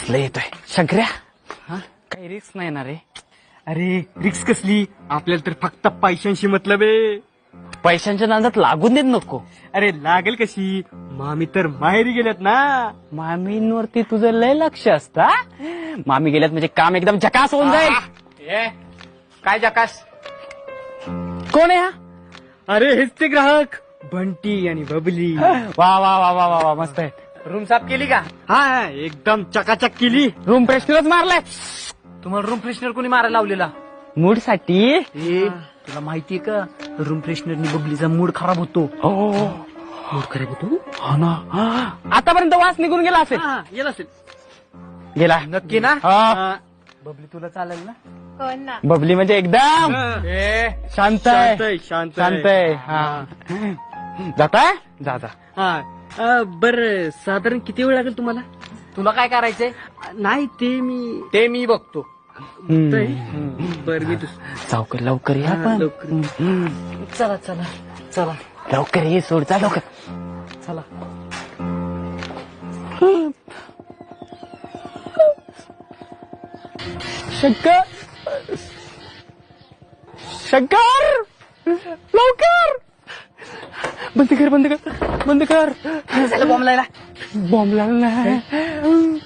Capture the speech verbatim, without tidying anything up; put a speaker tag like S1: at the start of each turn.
S1: कसलं येतोय शंकर्या. हा काही रिस्क नाही ना रे.
S2: अरे रिक्स कसली, आपल्याला तर फक्त पैशांशी मतलब आहे.
S1: पैशांच्या नादात लागून देत नको.
S2: अरे लागेल कशी, मामी तर माहेरी गेल्यात ना.
S1: मामींवरती तुझं लय लक्ष असता. मामी गेल्यात म्हणजे काम एकदम झकास होऊन जाईल.
S2: ए, काय जकास.
S1: कोण आहे हा?
S2: अरे हेच ते ग्राहक बंटी आणि बबली.
S1: वा वा वा वा वा वा मस्त आहे.
S2: रूम साफ केली का? हा एकदम चकाचक केली.
S1: रूम फ्रेशनरच मारलाय.
S2: तुम्हाला रूम फ्रेशनर कोणी मारायला लावलेला?
S1: मूड साठी.
S2: ए तुला माहितीये का, रूम फ्रेशनरनी बबलीचा मूड खराब होतो. मूड खराब होतो.
S1: हो ना. आतापर्यंत वास निघून गेला असेल.
S2: येत असेल.
S1: गेला
S2: नक्की ना?
S1: हा.
S2: बबली तुला चालेल ना?
S3: कोण ना?
S1: बबली म्हणजे एकदम
S2: ए
S1: शांत आहे.
S2: शांत आहे, शांत
S1: शांत आहे. हा जाताय जा जा.
S2: हा बर साधारण किती वेळ लागेल तुम्हाला? तुला काय करायचंय? नाही ते मी ते मी बघतो. बर मी
S1: लवकर लवकर या पण.
S2: लवकर चला चला चला
S1: लवकर ये सोड जा लवकर.
S2: चला.
S1: शंकर शंकर लवकर बंद कर बंद कर बंद कर.
S2: बॉम्ब लायला
S1: बॉम्ब लागला.